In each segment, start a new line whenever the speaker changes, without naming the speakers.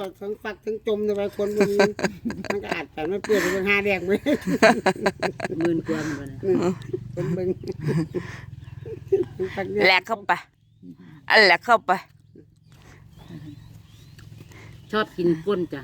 ทั้งฝักทั้งจมในคนมันก็อาจแต่ไม่เปลือกเป็น5แดงเลย10,000 กว่าเหมือนกันเบิ่ง
แหลกเข้าไปแหลกเข้าไป
ชอบกินก้นจ้ะ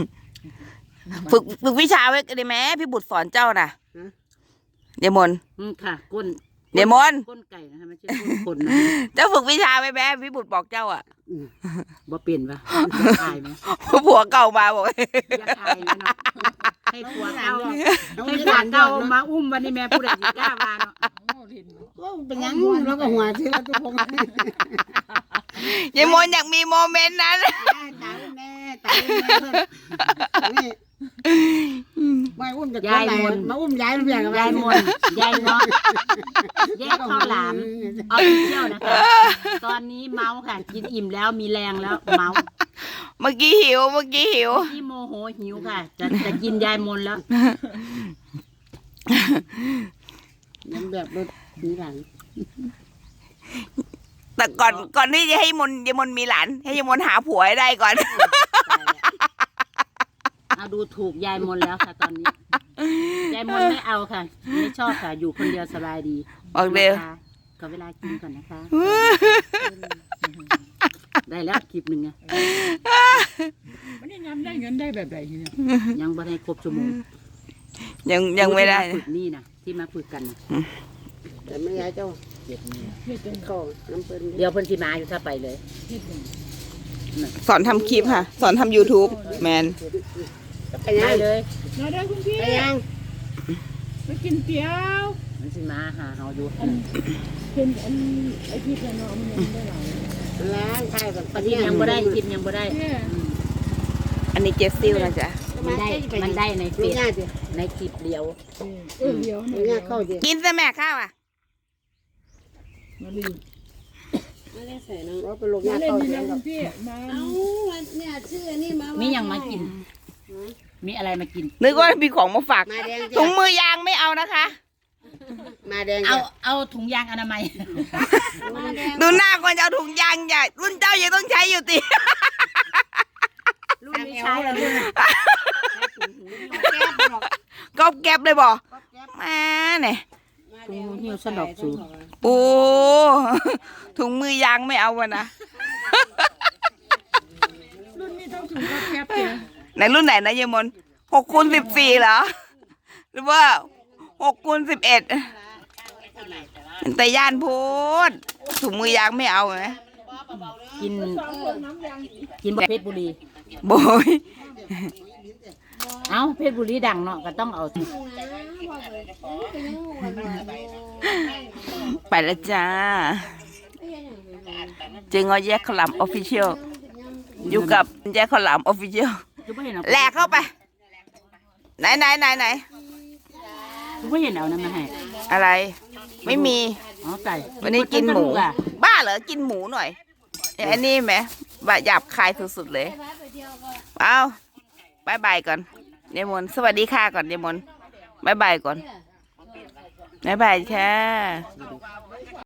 ฝึกวิชาไว้ได้ไหมพี่บุตรสอนเจ้าน่ะเดมอน
ค่ะก้น
เดมอน
ก้นไก่นะคะไม่ใช่ก้นคนนะ
เจ้าฝึกวิชาไว้แม่พี่บุตรบอกเจ้าอ่ะ
บ่เปลี่ยนปะตายไหม
ผัวเก่ามาบอก
อยากตายนะให้ผัวเก่ามาอุ้มวันนี้แม่ผู้ใดสิกล้ามาเนาะ
ก็เป็นยังแล้วก็หัวที่เราทุกคน
ยายมนอยากมีโมเมนต์นั้น
ตายแน่ตายแน่นี่ไม่อุ้มจากยายมนมาอุ้มยายเพียง
ยายมนยายเนาะแยกข้าวหลามเอาไปเที่ยวนะคะตอนนี้เมาค่ะกินอิ่มแล้วมีแรงแล้วเมา
เมื่อกี้หิว
ที่โมโหหิวค่ะจะกินยายมนแล้ว
ยังแบบรถมีหลัง
แต่ก่อนที่จะให้ยายมนมีหลานให้ยายมนหาผัวให้ได้ก่อน
เอาดูถูกยายมนแล้วค่ะตอนนี้ยายมนไม่เอาค่ะไม่ชอบค่ะอยู่คนเดียวสบายดี
บอกเดียว
ขอเวลากินก่อนนะคะได้แล้วคลิปหนึ่งไง
มันยังได้เงินได้แบบไหนเนี่ย
ยังไม่ได้ครบชั่วโมง
ยังไม่ได้
ฝึกนี่นะที่มาฝึกกันนะ
แต่ไม่ย้ายเจ้าเข้าน้ำเปิ้ล
เดี๋ยวเพิ่นสิมาอยู่ถ้าไปเลย
สอนทำคลิปค่ะสอนทำ YouTube แมน
ได้เลย
มาได้คุณพี่
ไปยัง
ไปกินเตี๋ยว
มันสิมาหาเฮาอยู่
เป็นไอที่จะนอนมันยังได้หลาย
ล้างใช่แบบ
ปฏิยังบ่ได้กินยังบ่ได้
อันนี้เจสซิลนะจ๊ะ
มันได้ในเฟซในคลิปเดียว
เดียว
กินซะแม่ข้าวอ่ะ
มาลี
มาเล่นใส่น้องว่าไปลงยาเข้าเดี๋ยว
พี่มา
เนี่ยชื่อนี่มา
มียังมากินมีอะไรมากิน
นึกว่ามีของมาฝากถุงมือยางไม่เอานะคะ
มาแดง
เอาถุงยางอนามัย
ดูหน้าคนจะเอาถุงยางใหญ่รุ่นเจ้ายังต้องใช้อยู่ติ
รุ่นนี้ใช้แล้วรุ่น
ก็แก็บเลยบอกมาเนี่ย
ถุงหิ้วสนอกสู
โอ้ถุงมือยางไม่เอาวะนะ
รุ่นนี้ต้องถุงก็แคบเนี่ย
ในรุ่นไหนนะยายมน6x14เหรอหรือว่า6x11แต่ย่านพูดถุงมือยางไม่เอาไหม
กินเพชรบุรี
โบย
เอาเพชรบุรีดังเนาะก็ต้องเอา
ไปแล้วจ้าเจงอแยกขลามออฟฟิเชียลอยู่กับแยกขลามออฟฟิเชียลแหลกเข้าไปไหน
ไม่เห็นเอานั่นมาให้
อะไรไม่มีวันนี้กินหมูบ้าเหรอกินหมูหน่อยอันนี้ไหมบะหยาบคายสุดๆเลยเอาบายก่อนเดมอนสวัสดีค่ะก่อนเดมอนบายก่อนบายค่ะ